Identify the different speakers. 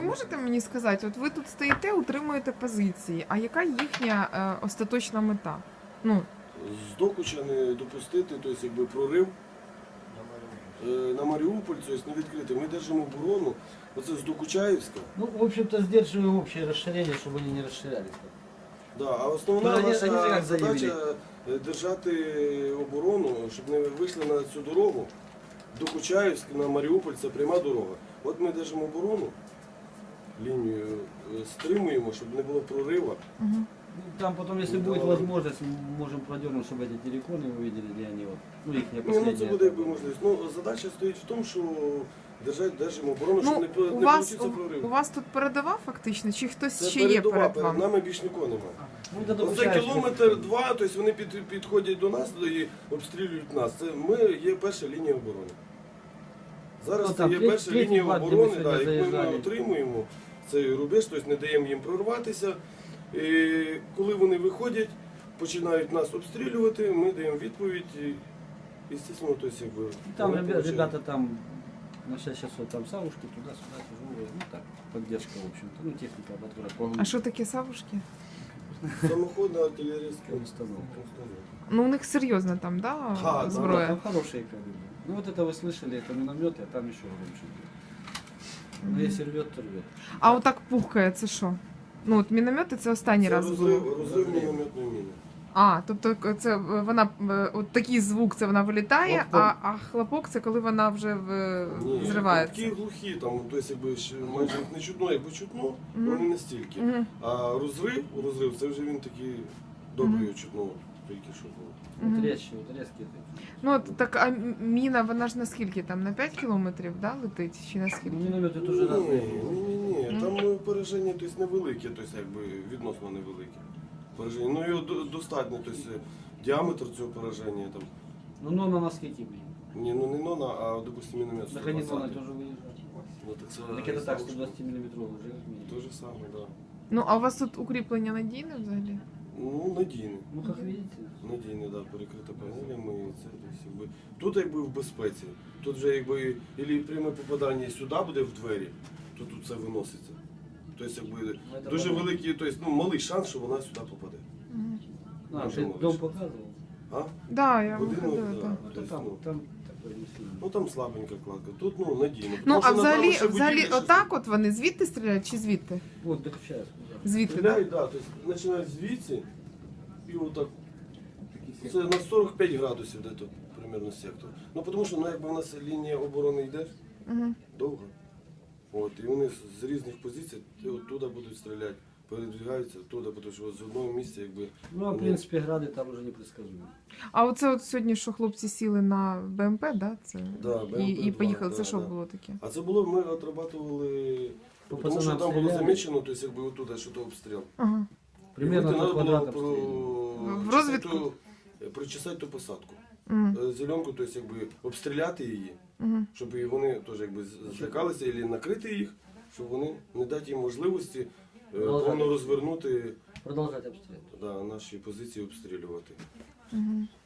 Speaker 1: можете мені сказати, от ви тут стоїте, утримуєте позиції, а яка їхня остаточна мета? Ну,
Speaker 2: З Докуча не допустити, тобто якби прорив на Маріуполь, тобто не відкрити. Ми держимо оборону, оце з Докучаївська.
Speaker 3: Ну, в общем-то, сдерживаем общее расширение, чтобы они не расширялись.
Speaker 2: Да, а основна
Speaker 3: Ну, вони
Speaker 2: наша
Speaker 3: як заявили?
Speaker 2: задача держати оборону, щоб не вийшли на цю дорогу. Докучаївськ на Маріуполь це пряма дорога. От ми держимо оборону, лінію стримуємо, щоб не було прориву.
Speaker 3: Ну, там потом, если будет возможность, мы можем продернуть, чтобы эти телеконы увидели, где они вот. Ну, их не
Speaker 2: Ні, ну
Speaker 3: последние.
Speaker 2: це буде якби можливість. Ну, задача стоїть в тому, що держимо оборону, щоб не
Speaker 1: у
Speaker 2: получився
Speaker 1: у
Speaker 2: прорив.
Speaker 1: вас тут передова фактично, чи хтось
Speaker 2: Це
Speaker 1: ще є
Speaker 2: передова,
Speaker 1: перед
Speaker 2: перед
Speaker 1: вами?
Speaker 2: нами більш нікого немає.
Speaker 3: Ну, это
Speaker 2: Оце
Speaker 3: допускаешь,
Speaker 2: кілометр-два, тобто вони підходять до нас і обстрілюють нас. Це ми є перша лінія оборони. Зараз
Speaker 3: Ну,
Speaker 2: це
Speaker 3: там
Speaker 2: є
Speaker 3: третій
Speaker 2: перша
Speaker 3: бар,
Speaker 2: лінія
Speaker 3: де ми
Speaker 2: оборони,
Speaker 3: сьогодні
Speaker 2: да, яку ми
Speaker 3: заїжджали.
Speaker 2: отримуємо цей рубеж, тобто не даємо їм прорватися. І коли вони виходять, починають нас обстрілювати, ми даємо відповідь. І, звісно, тобто, якби,
Speaker 3: Там
Speaker 2: вони получають.
Speaker 3: ребята там на 6 часов там савушки, туда-сюда тяжелые. Ну так, поддержка, в общем-то. Ну, техника, которая по
Speaker 1: А що таке савушки?
Speaker 2: Самоходна артилерійська
Speaker 3: установка.
Speaker 1: Ну, у них серйозна там, да,
Speaker 2: да,
Speaker 1: зброя?
Speaker 3: Там хорошие калибры. Ну вот это вы слышали, это минометы, а там еще громче. Ну если рвет, то рвет.
Speaker 1: А отак пухкає, це що? Ну, от міномети це останній
Speaker 2: Це
Speaker 1: раз було.
Speaker 2: розрив мінометної міни.
Speaker 1: А, тобто це вона, от такий звук, це вона вилітає,
Speaker 3: Хлопок.
Speaker 1: а хлопок це коли вона вже
Speaker 2: Ні,
Speaker 1: взривається.
Speaker 2: Такі глухі, там, тобто, якби ще майже їх не чутно, якби чутно, але не настільки.
Speaker 1: Мгм.
Speaker 2: А розрив, це вже він такий добрий чутно, тільки що було.
Speaker 3: Вот резче, вот резкие такие.
Speaker 1: Ну, от так, а міна, вона ж наскільки там, на 5 кілометрів, да, летить? Чи
Speaker 3: Ну,
Speaker 1: наскільки?
Speaker 3: минометы тоже разные.
Speaker 2: Ні, там пораження тобто, невелике, тобто, якби, відносно невелике. Пораження. Ну, його достатньо, тобто, діаметр цього пораження, там,
Speaker 3: Ну, но на наскільки, блин.
Speaker 2: ні, ну не нона, а, допустим, міномет
Speaker 3: На границу
Speaker 2: 120.
Speaker 3: тоже выезжает.
Speaker 2: Ну, так це
Speaker 3: Так это так, 120 миллиметровый уже как минимум.
Speaker 2: те же саме, так. Да.
Speaker 1: Ну, а у вас тут укріплення надійне взагалі?
Speaker 2: Ну, надійне.
Speaker 3: Ну, как видите.
Speaker 2: Надійне, да, перекрита панелями. І це, тобто, якби, тут якби в безпеці. Тут вже якби ілі пряме попадання сюди буде в двері, то тут все виноситься. Тобто, якби,
Speaker 3: це
Speaker 2: дуже
Speaker 3: правда.
Speaker 2: великий, тобто, ну, малий шанс, що вона сюди попаде.
Speaker 3: А,
Speaker 2: Може,
Speaker 3: ты
Speaker 2: можешь.
Speaker 3: дом показывал?
Speaker 2: А?
Speaker 1: Да, я
Speaker 2: Будинок,
Speaker 1: виходила,
Speaker 2: да.
Speaker 1: так.
Speaker 3: Ну,
Speaker 2: То
Speaker 3: то
Speaker 2: есть,
Speaker 3: там,
Speaker 2: ну,
Speaker 3: там такой не сильно.
Speaker 2: Ну там слабенька кладка. Тут ну надійно.
Speaker 1: Ну,
Speaker 2: Тому
Speaker 1: а
Speaker 2: що, напевно,
Speaker 1: взагалі,
Speaker 2: ще
Speaker 1: взагалі
Speaker 2: будівлі ще
Speaker 1: отак от вони звідти стріляють чи звідти?
Speaker 3: Вот, так сейчас.
Speaker 1: Звідти, так?
Speaker 2: стріляють, да, тобто починають звідси і отак. Це на 45 градусів де тут примерно сектор. Ну тому що ну, якби в нас лінія оборони йде
Speaker 1: Угу.
Speaker 2: довго. От, і вони з різних позицій туди будуть стріляти, передвигаються туди, тому що з одного місця якби.
Speaker 3: Ну, а в принципе, грады там уже непредсказуемы.
Speaker 1: А оце от сьогодні, що хлопці сіли на БМП, да? Це...
Speaker 2: Да, БМП-2,
Speaker 1: і поїхали. Це
Speaker 2: да,
Speaker 1: що
Speaker 2: да.
Speaker 1: було таке?
Speaker 2: А це було, ми отрабатували,
Speaker 3: По
Speaker 2: тому що
Speaker 3: пацанам
Speaker 2: там було
Speaker 3: стріляли.
Speaker 2: замічено, тобто якби отуди, що то обстріл.
Speaker 1: Ага.
Speaker 3: Примерно
Speaker 2: І
Speaker 3: по
Speaker 2: треба було
Speaker 3: квадратам стреляли.
Speaker 1: В розвідку?
Speaker 2: Причесати ту посадку.
Speaker 1: Угу.
Speaker 2: Зеленку, тобто якби обстріляти її,
Speaker 1: Угу.
Speaker 2: щоб і вони теж якби злякалися, або накрити їх, щоб вони не дати їм можливості повно розвернути
Speaker 3: Продолжать обстрел.
Speaker 2: да, наші позиції обстрілювати.
Speaker 1: Угу.